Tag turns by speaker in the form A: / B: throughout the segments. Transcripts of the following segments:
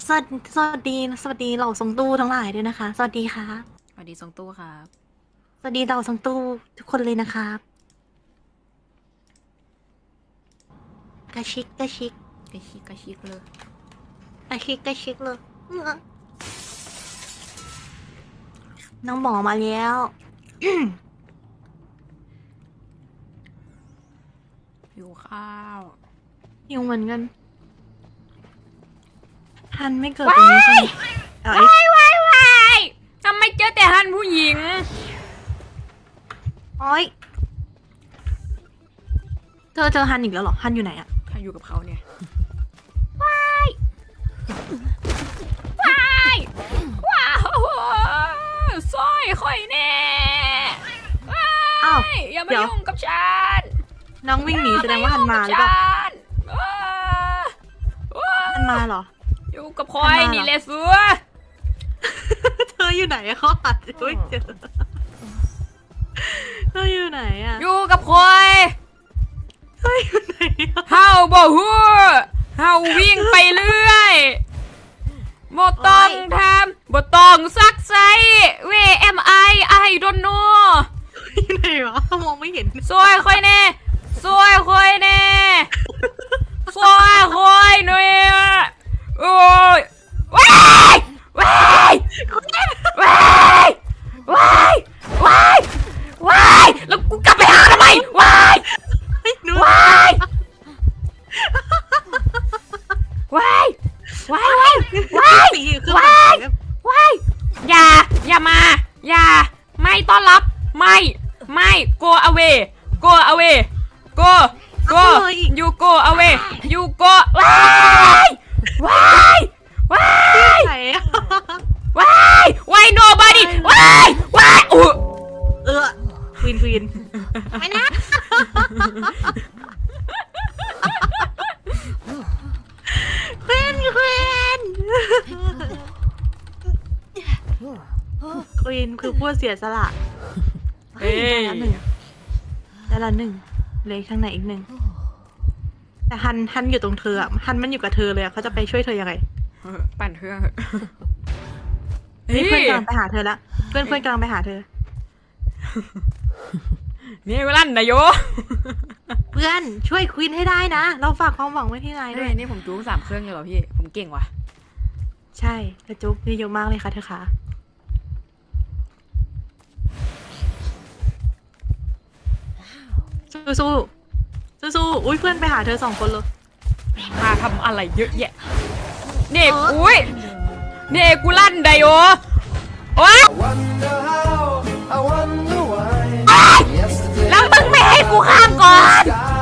A: สวัสดีเหล่าทรงตู้ทั้งหลายด้วยนะคะสวัสดีค่ะ
B: สวัสดีทรงตู้ครับ
A: สวัสดีเหล่าทรงตู้ทุกคนเลยนะครับกระชิกกระชิก
B: กระชิกกระชิกเลย
A: กระชิกกระชิกเลยน้องหมอมาแล้ว
B: หิวข้าว
A: อยู่เหมือนกันทันไม่เกิดตรงนี้ใช่ไหมเอาไอ้
B: ว้ายทำไมเจอแต่ฮันผู้หญิง
A: อ้อยเจอฮันอีกแล้วเหรอฮันอยู่ไหนอะ
B: ถ้าอยู่กับเขาเนี่ยว้ายว้าวสร้อยข่อยแน่ว้า
A: อ้าวย
B: อย่ามา
A: เดี๋ยว
B: ยุ่งกับฉัน
A: น้องวิ่งหนีแสดงว่าฮันมาหรือเปล่า
B: ว้า
A: ฮันมาเหรอ
B: อยู่กับข่อยนี่แหละเสือ
A: เธออยู่ไหนอะเขาหาไม่เจอเธออยู่ไหนอะ
B: อยู่กับข่อย
A: เธออยู่ไหนอะ
B: เฮาบ่ฮู้เฮาวิ่งไปเรื่อยบ่ต้องทำบ่ต้องซักไซเว am I don't know
A: อยู่ไหนวะมองไม่เห็น
B: ซอยค่อยแน่ซอยค่อยแน่ซอยค่อยหน่อยโอ้ยว้ายว้ายว้ายว้ายว้ายว้ายแล้วกูกลับไปหาทำไมว้าย
A: หนู
B: ว้ายว้ายว้ายว้าย
A: สีคือ
B: ว้ายว้ายอย่ามา อย่า ไม่ต้อนรับ ไม่ go away go away go you go away you go ว้ายว้ายว้าย
A: ไหนอะ
B: ว้ายว้าย nobody ว้ายว้ายอุ๊ย
A: ควีนไม่นะควีนคือผู้เสียสละ
B: เฮ้ย
A: ได้ละหนึ่งเลยข้างในอีกหนึ่งแต่ฮันอยู่ตรงเธออะฮันมันอยู่กับเธอเลยอะเขาจะไปช่วยเธอยังไง
B: ปั่นเครื่อง
A: นี่เพื่อนกำลังไปหาเธอละเพื่อนกำลังไปหาเธอ
B: นี่เวลาไหนโย
A: เพื่อนช่วยควีนให้ได้นะ เราฝากความหวังไว้ที่นายด้วย
B: นี่ผมจูง3 เครื่องเลยเหรอพี่ ผมเก่งว่ะ
A: ใช่กระจุกนี่เยอะมากเลยค่ะเธอคะสู้อุ้ยเพื่อนไปหาเธอ2 คนเลย
B: มาทำอะไรเยอะแยะเด็กอุ้ยเด็กกูลั่นไดโอโอ๊ยแล้วมึงไม่ให้กูข้ามก่อน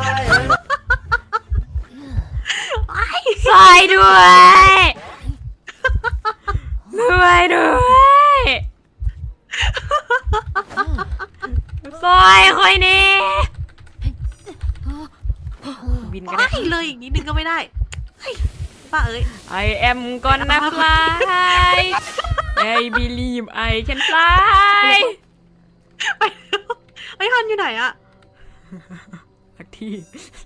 B: ซอยด้วยซอยคอยนี่บินกัน
A: ไม่เลยอีกนิดนึงก็ไม่ได้เฮ้ยป้าเอ้ย
B: I am gonna fly I believe I can fly
A: ไปไอ้ฮันอยู่ไหนอะ
B: สักที่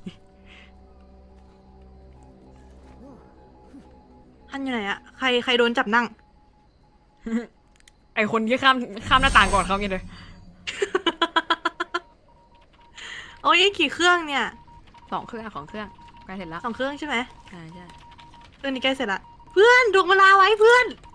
A: ฮันอยู่ไหนอะใครโดนจับนั่ง
B: ไอคนที่ข้ามหน้าต่างก่อนเขาไงเลย
A: โอ้ยกี่เครื่องเนี่ย
B: 2 เครื่องของเครื่องใกล้เสร็จแล้ว
A: 2 เครื่องใช่ไหม
B: ใช่
A: เครื่องนี้ใกล้เสร็จละเพื่อนดวงเวลาไว้เพื่อน